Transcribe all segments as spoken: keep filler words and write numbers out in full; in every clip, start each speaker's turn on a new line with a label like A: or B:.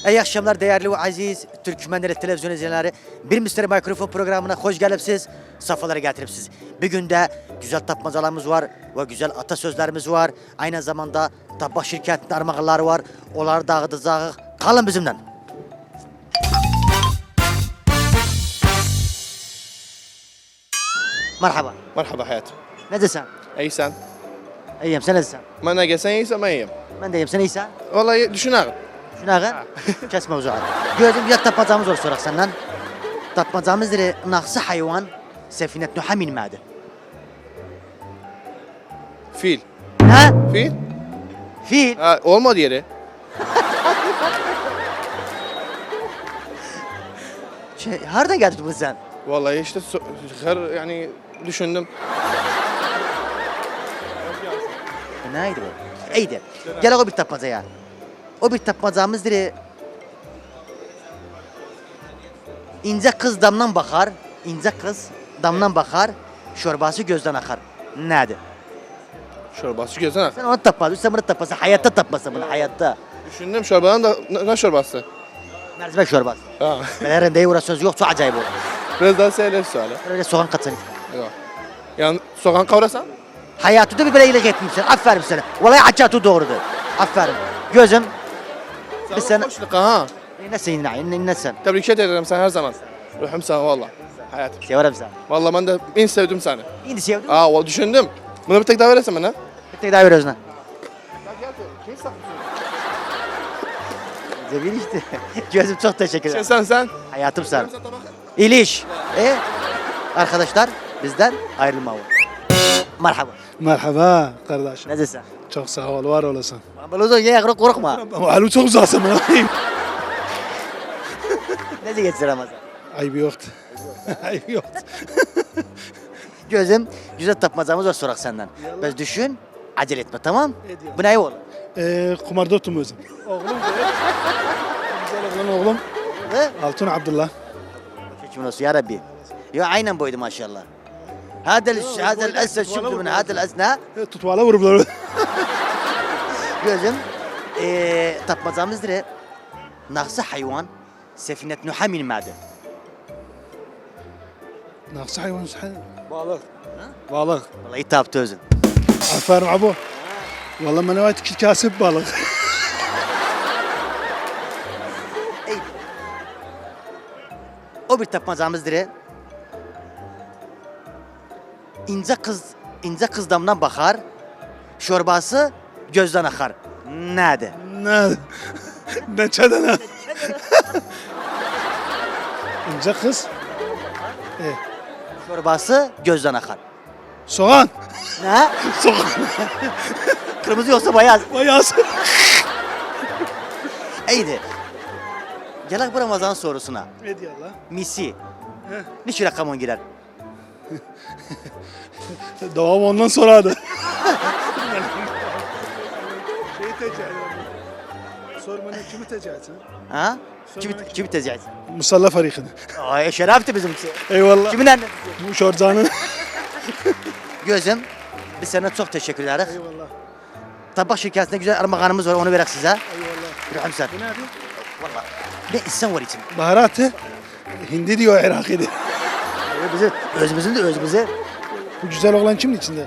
A: İyi akşamlar değerli ve aziz Türkmenleri televizyon izleyenleri. Bir Müşteri Mikrofon programına hoş gelipsiz, safhalara getiripsiz. Bir günde güzel tapmacalarımız var ve güzel atasözlerimiz var. Aynı zamanda tabak şirketinin armağanları var. Onları dağıtacağız. Kalın bizimle. Merhaba.
B: مرحبا حياتي.
A: Ne desen?
B: اي سن
A: İyiyim, sen ne desen?
B: ما انا قسن يسا ما يم
A: Ben de iyiyim, sen iyisen?
B: والله düşünür.
A: Şuna ağır, kesme uzağı. Gözüm bir tapmacamız var sorak senden. Tapmacamız dire naksı hayvan sefinet nuha min ma'de.
B: Fil.
A: Ha?
B: Fil?
A: Fil.
B: Ha, olmadı yeri.
A: Şey, nereden geldin bu sen?
B: Vallahi işte so- her yani düşündüm.
A: Neydi bu? İyiydi. Gel o bir tapmacaya. O bir tapmacamız dire ince kız damdan bakar, ince kız damdan bakar, şorbası gözden akar. Nedir?
B: Şorbası gözden ak.
A: Sen onu tapmadın, sen bunu tapmasın, hayatta tapmasın bunu, hayatta.
B: Düşündüm şorbadan da ne, ne şorbası?
A: Mercimek şorbası.
B: Ha.
A: Ben her uğraş söz yok, çok acayip oldu.
B: Biraz daha söyle suali.
A: Öyle soğan katsın.
B: Yok. Yani soğan kavrasan?
A: Hayatı da bir böyle iyilik etmişsin. Aferin sana. Vallahi acayip doğrudur. Aferin. Gözüm. Bir
B: Sana
A: sene.
B: hoşluk ha.
A: Nesin yine? Nesin?
B: Tebrik ederim sen her zaman. Ruhum sana valla. Hayatım.
A: Severim seni.
B: Vallahi ben de en sevdim seni.
A: İndi sevdim.
B: Aa, o düşündüm. Bunu bir tek daha verirsen bana.
A: Bir tek daha ver özüne. Zebil işte. Gözüm çok teşekkür
B: Şey
A: ederim.
B: sen sen.
A: Hayatım sen. İliş. E? Arkadaşlar bizden ayrılma var. Merhaba.
C: Merhaba kardeşim.
A: Ne desin?
C: Çok sağ ol, var olasın.
A: Balozun ye yakırık korkma.
C: Halim çok uzasın bana.
A: Ne diye geçsin Ramazan?
C: Ayıp yoktu. Ayıp yoktu.
A: Gözüm güzel tapmacamız var sorak senden. Biz düşün, acele etme tamam?
C: Ediyorum.
A: Bu ne oğlum?
C: Ee, kumarda otum özüm. Oğlum Güzel oğlan oğlum.
A: He?
C: Altun Abdullah.
A: Şükür olsun ya Rabbi. Ya aynen buydu maşallah. هذا ال- هذا الاسد شفت من هذا الاسد
C: E, tutvala vuruplar.
A: gözüm eee tapmacamız dire naksı hayvan sefinet nuha min ma'de.
C: Naksı hayvan sahi.
B: Balık.
C: Balık.
A: Vallahi taptı özün.
C: Aferin abo. Vallahi bana ait iki kasıp balık.
A: Ey. O bir tapmacamız dire ince kız ince kız damdan bakar, şorbası gözden akar. Nerede?
C: Ne? Ne çadana? İnce kız. E,
A: Şorbası gözden akar.
C: soğan.
A: Ne?
C: Soğan.
A: Kırmızı yoksa beyaz.
C: Bayağı.
A: İyiydi. Gel bu Ramazan sorusuna.
C: Ne diyor Allah?
A: Misi. Niçin rakamon girer?
C: Devam ondan sonradı. Şeyi tecahüt. Sor bana kimi tecahüt?
A: Ha?
C: Sonra
A: Kimi,
C: ne?
A: kimi tezgahı?
C: Musalla farikini.
A: Ay şerefti bizimki.
C: Eyvallah.
A: Kimin annesi?
C: Bu şorcanın.
A: Gözüm. Biz sana çok teşekkür ederiz.
C: Eyvallah.
A: Tabak şirketinde güzel armağanımız var onu verek size.
C: Eyvallah.
A: Ruhum sen.
C: Bu ne abi?
A: Valla. Ne insan var için.
C: Baharatı. Hindi diyor Irak'ı diyor.
A: Ee, Bizi, özümüzün de özümüze.
C: Bu güzel oğlan kimin içinde?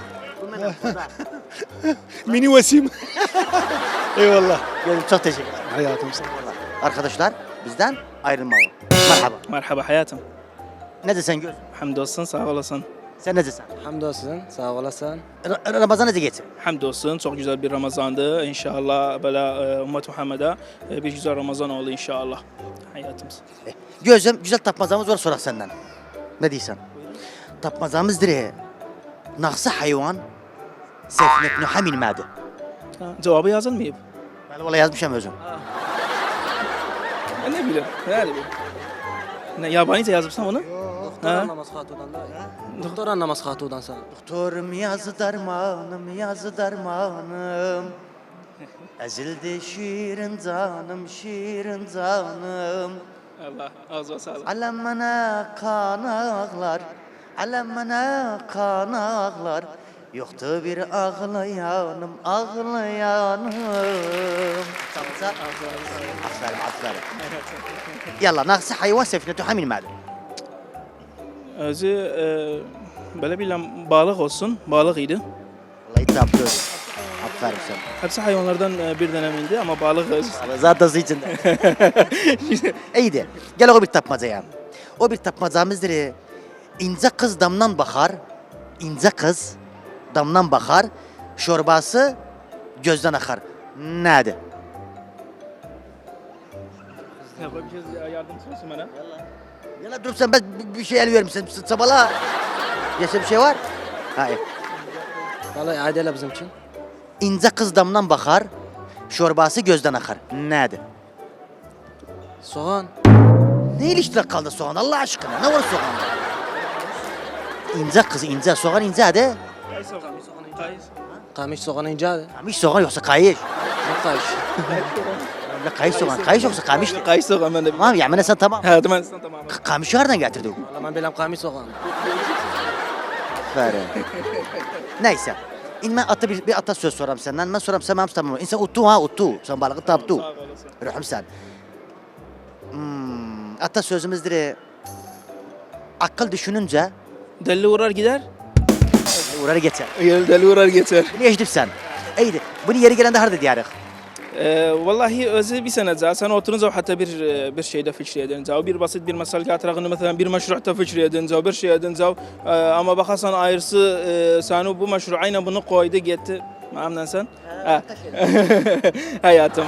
C: Mini Vasim. Eyvallah.
A: Gözüm çok teşekkür ederim.
C: Hayatım sana.
A: Vallahi. Arkadaşlar bizden ayrılma var. Merhaba.
D: Merhaba hayatım.
A: Ne desen gözüm?
D: Hamdolsun, sağ olasın.
A: Sen ne desen?
E: Hamdolsun, sağ olasın.
A: Ra- Ramazan ne geçsin?
D: Hamdolsun, çok güzel bir Ramazandı. İnşallah böyle e, ümmet Muhammed'e e, bir güzel Ramazan oldu inşallah. Hayatımız.
A: Gözüm güzel tapmazamız var sorak senden. Ne diyorsun? Tapmazamız dire. Naksı hayvan sefinet nuha min ma'de.
D: Ha, cevabı yazılmayıp.
A: Ben valla yazmışım özüm.
D: Ben ne bileyim, ne bileyim. Ne, yabanice yazıpsam onu?
E: Doktor
D: Ha?
E: anlamaz hatudan da. Doktor anlamaz hatudan sana.
A: Doktorum yazı darmanım, yazı darmanım. Ezildi şiirin canım, şiirin canım.
D: Allah, ağzına sağlık.
A: Alemine kan ağlar, alemine kan ağlar. Yoktu bir ağlayanım, ağlayanım. Çalsa. Aferin, aferin. Yalla, naksı hayvan sefinetu hamin ma'dı.
D: Özü e, böyle bilmem balık olsun. Balık idi.
A: Vallahi taptı. Aferin sana.
D: Hepsi hayvanlardan e, bir döneminde ama balık özü.
A: Zaten içinde. İyiydi. Gel o bir tapmacaya. O bir tapmacamızdır. İnce kız damdan bakar. İnce kız damdan bakar. Şorbası gözden akar. Nerede?
D: Yapabiliriz ya, yardımcı olsun bana.
A: Yala dur sen ben bir- bir şey el vermişsin. Sabala. Yaşa bir şey var. Hayır.
E: Vallahi adele bizim için.
A: İnce kız damdan bakar. Şorbası gözden akar. Nerede?
E: Soğan.
A: Ne ilişkiler kaldı soğan Allah aşkına? Ne var soğanda? İnce kız ince soğan ince hadi.
D: Kayısı soğan. Kayısı.
E: Kamış soğan ince.
A: Kamış soğan yoksa kayış.
E: Ne kayış?
A: La kayış soğan. Kayış yoksa kamış.
D: Kayısı soğan ben de.
A: Tamam yani sen tamam.
D: Ha tamam tamam.
A: K- Kamışı nereden getirdin?
E: Vallahi ben bilmem kamış soğan.
A: Aferin. Neyse. İn ben ata bir, bir ata söz soram senden. Ben soram sen mamsı tamam. İnsan uttu ha uttu. Sen balığı taptu.
D: Sağ olasın.
A: Ruhum sen. Hmm, ata sözümüzdür. Akıl düşününce
D: Deli uğrar gider.
A: uğrarı geçer.
D: Gel deli uğrar geçer.
A: Bunu yaşadık sen. İyiydi. Bunu yeri gelende harda diyarık.
D: Ee, vallahi özü bir sene za sen oturunca hatta bir bir şeyde fikir edince bir basit bir mesele getirdiğinde mesela bir meşruhta fikir edince bir şey edince e, ama bakarsan ayrısı e, sen bu meşru aynen bunu koydu gitti. Memnun sen? Ha. Hayatım.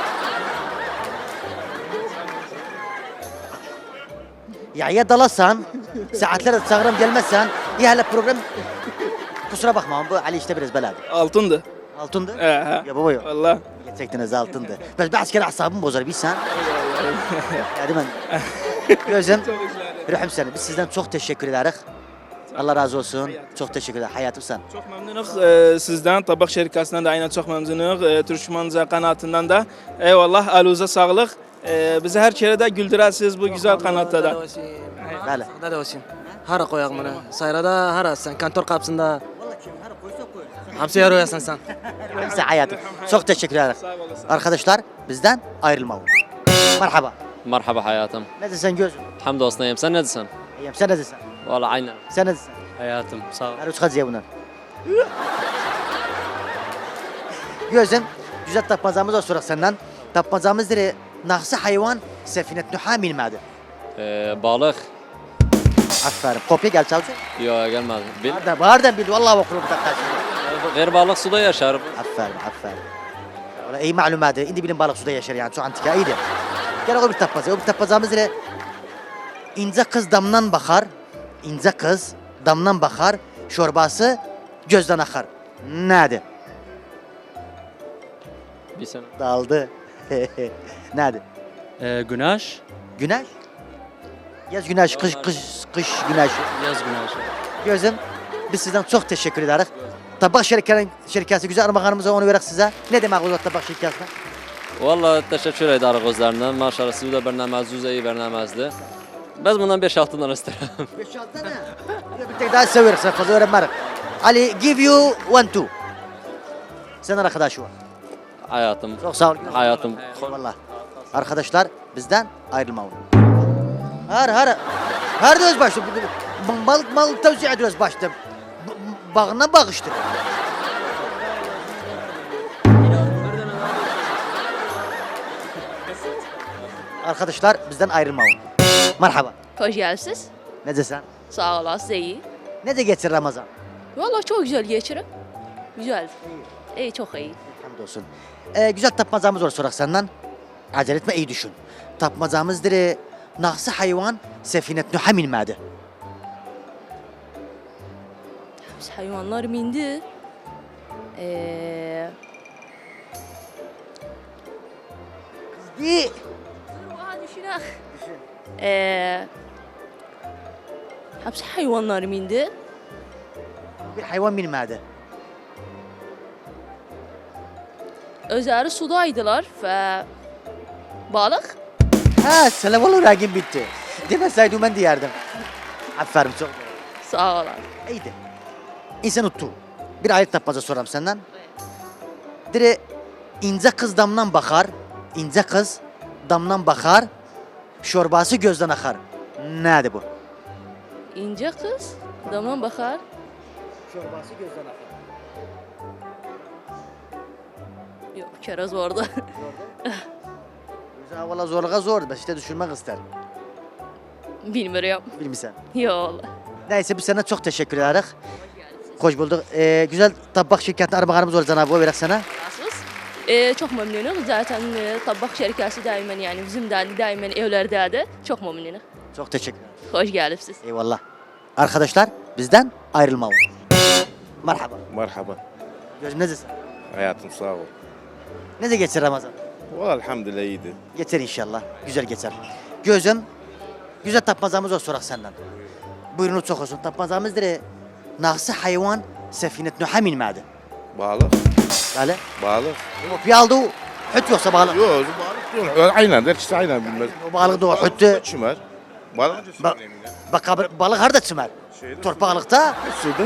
A: Ya ya dalasan, saatler çağırım gelmezsen, ya hala program kusura bakma bu Ali işte biraz beladı.
D: Altındı.
A: Altındı.
D: He he.
A: Ya baba yok.
D: Vallahi.
A: Gerçekten altındı. Ben bir asker asabım bozar bir sen. Ya değil mi? Gözüm. Ruhum seni. Biz sizden çok teşekkür ederiz. Allah razı olsun. Çok teşekkür ederim. Hayatım sen.
D: Çok memnunuz e, sizden, Tabak şirketinden de aynen çok memnunuz. E, Türkmenca kanatından da. Eyvallah, aluza sağlık. E, bizi her kere de güldürersiniz bu güzel kanatta da.
A: Bəli.
E: Sağda da olsun. Hara koyak bunu. Sayrada hara sen kantor kapsında. Hapsi yarıyorsun sen.
A: Sen hayatım. Çok teşekkür ederiz. Arkadaşlar bizden ayrılma. Merhaba.
F: Merhaba hayatım.
A: Ne desen gözüm?
F: Hamdolsun iyiyim. Sen ne diyorsun?
A: İyiyim. Sen ne desen?
F: Valla aynen.
A: Sen ne desen?
F: Hayatım sağ ol.
A: Her üç kaç bunlar. Gözüm. Güzel tapmazamız var sorak senden. Tapmazamız dire. Naksı hayvan sefinet nuha milmadı.
F: Ee, balık.
A: Aferin. Kopya gel çalsın.
F: Yok gelmedi. Bil,
A: Nereden? Bağırdan bildi. Vallahi okurum da karşımda.
F: ver balık suda yaşar.
A: Aferin, aferin. Valla iyi malumatı. İndi bilim balık suda yaşar yani. Çok antika iyiydi. Gel o bir tapmazı. O bir tapmazamız ile ince kız damdan bakar. İnce kız damdan bakar. Şorbası gözden akar. Nerede?
F: Bir sene.
A: Daldı. Nerede?
G: Ee, güneş,
A: Güneş. Yaz güneş, kış kış kış güneş.
G: yaz güneşi.
A: Gözüm, biz sizden çok teşekkür ederiz. Tabak şirketin şirketi güzel armağanımıza onu verək sizə. Ne demek o tabak şirketine?
F: Valla teşekkür ederim gözlerinden. Maşallah siz de bernamazınız iyi bernamazdı. Biz bundan beş altı tane isterim.
A: beş altı tane. Bir tek daha size veririz. Fazla öğrenmerik. Ali, give you one two. Sen arkadaşı var.
F: Hayatım.
A: Çok sağ ol.
F: Hayatım.
A: Vallahi. Arkadaşlar bizden ayrılma. Har har. Har da öz başta. Mal mal tavsiye ediyoruz başta. B- Bağına bağıştır. Arkadaşlar bizden ayrılma. Merhaba.
H: Hoş geldiniz.
A: Ne desen?
H: Sağ olasınız, iyi.
A: Ne de geçir Ramazan?
H: Vallahi çok güzel geçirin. Güzel. İyi, çok iyi.
A: Hamdolsun. Ee, güzel tapmacamız var sorak senden. Acele etme iyi düşün. Tapmacamızdır. e, Naksı hayvan sefinet nuha minmədi.
H: Biz hayvanlar mindi. Ee,
A: Di.
H: Daha düşünək. Ee, hepsi hayvanlar mindi.
A: Bir hayvan minmədi.
H: Özləri sudaydılar ve balık.
A: Ha, selam olur rəqim bitti. Demeseydim ben diyerdim. Aferin çok.
H: Sağ olun.
A: İyiydi. İnsan uttu. Bir ayet tapmaca soram senden. Dire ince kız damdan bakar, ince kız damdan bakar, şorbası gözden akar. Nerede bu?
H: İnce kız. Damdan bakar.
A: Şorbası gözden akar.
H: Yok keraz orada.
A: Güzel valla zorluğa zor. Ben işte düşünmek ister.
H: Bilmiyorum.
A: Bilmişsen.
H: Yok valla.
A: Neyse biz sana çok teşekkür ederiz. Hoş bulduk. Ee, güzel tabak şirketine armağanımız olur Cenab-ı Hak vererek sana.
H: Nasılsınız? Ee, çok memnunum. Zaten e, tabak şirketi daimen yani bizim de daimen evlerde de çok memnunum.
A: Çok teşekkür ederim.
H: Hoş geldiniz.
A: Eyvallah. Arkadaşlar bizden ayrılmayın. Merhaba.
I: Merhaba.
A: Gözüm nezesin?
I: Hayatım sağ ol.
A: Neze geçer Ramazan?
I: Valla elhamdülillah iyiydi.
A: Geçer inşallah. Güzel geçer. Gözüm, güzel tapmazamız var sorak senden. Buyurun çok olsun. Tapmazamızdır. Nağsı hayvan sefinet nuha min ma'de.
I: Balık.
A: Böyle.
I: Balık.
A: O piyaldı o. Hüt yoksa balık.
I: Yok balık yok. Aynen der işte aynen bilmez.
A: O balık da o hüttü.
I: Çimer. Balık
A: Ba bak abi, balık harda çımer. Torpaklıkta.
I: Suda.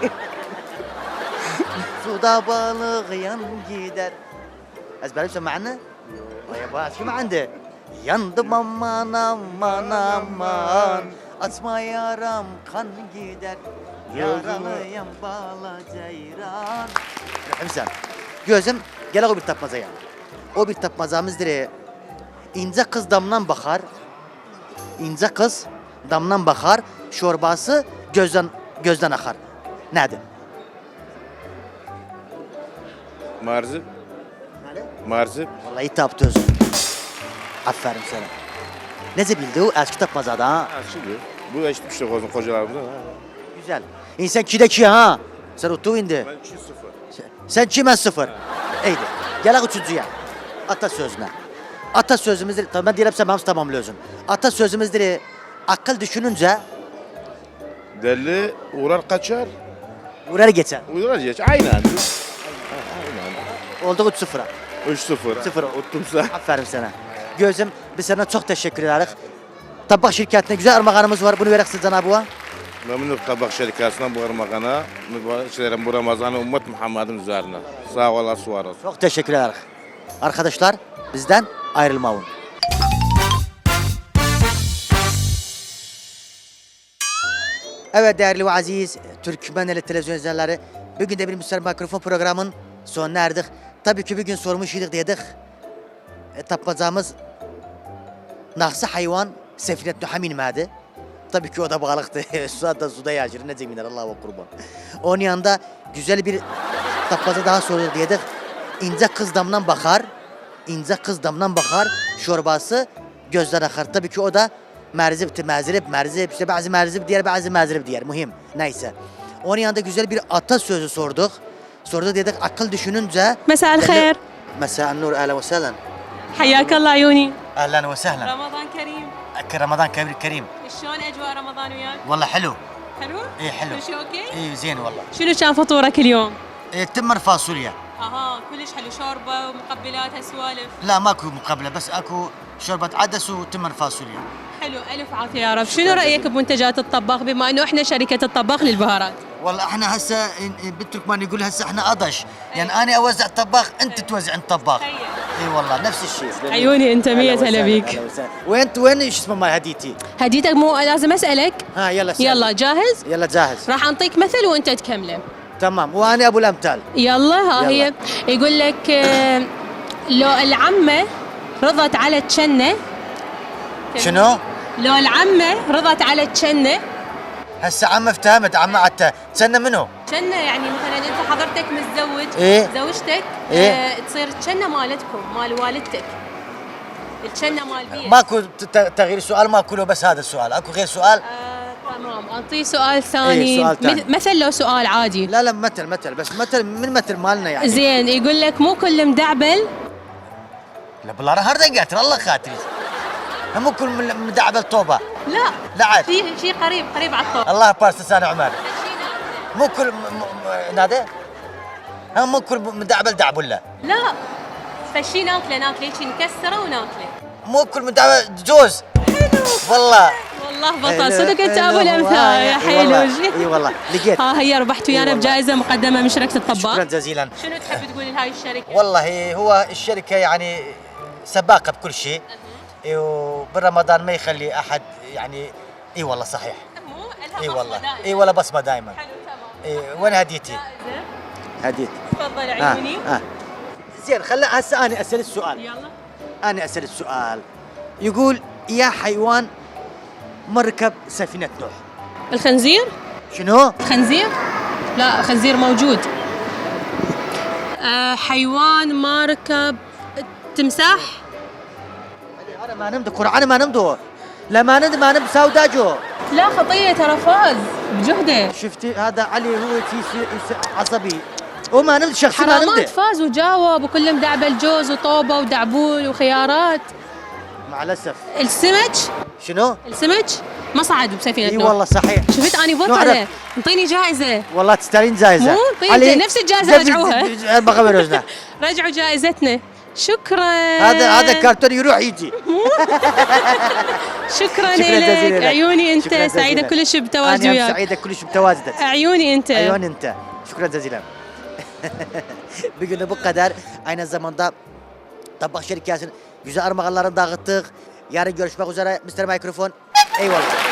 A: Suda balık yan gider. Ezberim sen معنا؟ Ya bak kim عنده؟ Yandım aman aman aman. Atma yaram kan gider. Yaralıyım bala ceyran. Sen. Gözüm gel o bir tapmaza yani. O bir tapmazamızdır. İnce kız damdan bakar. İnce kız damdan bakar. Şorbası gözden gözden akar. Nedir?
I: Marzip. Marzip.
A: Vallahi taptı özüm. Aferin sana. Nece bildi o? Eski tapmazada ha.
I: Ha şimdi. Bu da işte bir şey olsun kocalarımızdan ha.
A: Güzel. İnsan kide ki ha. Sen otu indi.
I: Ben iki sıfır.
A: Sen kime sıfır? İyiydi. Gel üçüncüye. Atasözüne. Atasözümüzdür. Tamam ben diyelim sen hamsi tamamlıyorsun. Atasözümüzdür. Akıl düşününce
I: Deli uğrar kaçar.
A: uğrar geçer.
I: Uğrar geç. Aynen. Aynen.
A: Oldu üç sıfıra.
I: üç sıfır.
A: Sıfır.
I: Ottumsa.
A: Aferin sana. Gözüm biz sana çok teşekkür ederiz. Tabak şirketine güzel armağanımız var. Bunu verek size Cenab-ı Hak.
I: Memnun Kabak şirkasına bu armağana. Mübareklerim bu Ramazan'ı ümmet Muhammed'in üzerine. Sağ olasın var olsun.
A: Çok teşekkür ederiz. Arkadaşlar bizden ayrılmayın. Evet değerli ve aziz Türkmeneli televizyon izleyenleri, bugün de bir Müslüman Mikrofon programının sonuna erdik. Tabii ki bugün sormuş idik dedik. E, tapacağımız nahsı hayvan sefinet nuhamin ma'de. Tabii ki o da balıktı. Suda suda yaşır. Ne zeminler Allah'a kurban. Onun yanında güzel bir tapmaca daha sorulur dedik. İnce kız damdan bakar. İnce kız damdan bakar. Şorbası gözden akar. Tabii ki o da merzipti. Merzip, merzip. İşte bazı merzip diğer, bazı merzip diğer. Muhim. Neyse. Onun yanında güzel bir atasözü sorduk. Sorduk dedik akıl düşününce.
J: مساء الخير.
A: مساء النور اهلا وسهلا.
J: حياك الله عيوني.
A: اهلا وسهلا.
J: رمضان كريم.
A: رمضان كريم كريم.
J: شلون اجواء رمضان وياك؟
A: والله حلو.
J: حلو؟
A: ايه حلو.
J: كل شيء اوكي؟
A: ايه زين والله.
J: شنو كان فطورك اليوم؟
A: إيه تمر فاصوليا.
J: اها كلش حلو شوربه ومقبلات هالسوالف.
A: لا ماكو مقابله بس اكو شوربه عدس وتمر فاصوليا.
J: حلو الف عافيه يا رب. شنو رايك بمنتجات الطباخ بما انه احنا شركه الطباخ للبهارات؟
A: والله احنا هسه بالتركمان يقول هسه احنا اضش يعني انا اوزع طباخ انت توزع انت طباخ.
J: تخيل.
A: اي والله نفس الشيء.
J: عيوني انت مية هلا بيك.
A: وين وين ايش اسمه مال هديتي؟
J: هديتك مو لازم اسالك؟
A: ها يلا سأل.
J: يلا جاهز؟
A: يلا جاهز.
J: راح اعطيك مثل وانت تكمله.
A: تمام وانا ابو الامثال.
J: يلا ها
A: يلا.
J: هي يقول لك آه، لو العمه رضت على الجنه.
A: شنو؟
J: لو العمه رضت على الجنه.
A: هسه عم افتهمت عم عتا تسنى منو؟
J: جنة يعني مثلا انت حضرتك متزوج
A: إيه.
J: زوجتك
A: إيه.
J: آه تصير الجنة مالتكم مال والدتك الجنة مال بيت.
A: ماكو ت- تغيير سؤال ماكو له بس هذا السؤال اكو غير سؤال؟
J: آه تمام اعطيه سؤال ثاني.
A: إيه، سؤال ثاني.
J: مث- مثل لو سؤال عادي.
A: لا لا مثل مثل بس مثل من مثل مالنا يعني.
J: زين يقول لك مو كل مدعبل.
A: لا بالله هردا قاتل الله خاطري. مو كل مدعبل توبه.
J: لا
A: لا عاد.
J: شيء شيء قريب قريب على الطوب.
A: الله بارس لسان عمر. مو كل م... م... م... نادي ها مو كل مدعبل دعبله.
J: لا فشي ناكله ناكله هيك نكسره وناكله.
A: مو كل مدعبل جوز.
J: حلو
A: والله.
J: والله الله بطل
A: إيه،
J: صدق انت
A: إيه،
J: ابو
A: هو-
J: الامثال يا
A: إيه والله،
J: حلو.
A: اي والله لقيت.
J: ها هي ربحت
A: إي
J: ويانا
A: والله.
J: بجائزه مقدمه من شركه الطباخ.
A: شكرا جزيلا.
J: شنو تحب تقول لهاي الشركه؟
A: والله هو الشركة يعني سباقة بكل شيء، إيه، وبرمضان ما يخلي أحد يعني. اي والله صحيح. اي والله اي والله بصمة دائما.
J: حلو تمام.
A: اي وين هديتي؟ هديت.
J: تفضل
A: آه.
J: عيوني.
A: آه. زين خلي هسه انا اسال السؤال.
J: يلا.
A: انا اسال السؤال. يقول يا حيوان مركب سفينة نوح.
J: الخنزير؟
A: شنو؟
J: خنزير؟ لا خنزير موجود. آه حيوان ما ركب تمساح.
A: انا ما نمد قرعه ما نمدو. لا ما نمد ما نمد سوداجو.
J: لا خطيه ترى فاز بجهده.
A: شفتي هذا علي هو في عصبي وما نمد شخص ما
J: حرامات
A: نمد.
J: فاز وجاوب وكله مدعبل جوز وطوبه ودعبول وخيارات.
A: مع الاسف.
J: السمك؟
A: شنو؟
J: السمك ما صعد بسفينه
A: اي
J: نوح.
A: والله صحيح.
J: شفت اني
A: نوع
J: بطله.
A: عرفت.
J: انطيني جائزه.
A: والله تستاهلين جائزة.
J: مو؟ طيب، نفس الجائزة رجعوها.
A: بغى بروزنا.
J: رجعوا جائزتنا. شكرا.
A: هذا هذا كرتون يروح يجي.
J: شكرا
A: شكراً جزيلاً
J: لك
A: لك.
J: عيوني انت
A: شكراً
J: سعيده
A: جزيلاً.
J: كلش بتواجدي
A: انا
J: وياك.
A: سعيدة كلش بتواجدك.
J: عيوني انت.
A: عيون انت. شكرا جزيلا. Bugün bu kadar. Aynı zamanda Tabak Şirketi'nin güzel armağanlarını dağıttık. Yarın görüşmek üzere. mister Mikrofon. Eyvallah.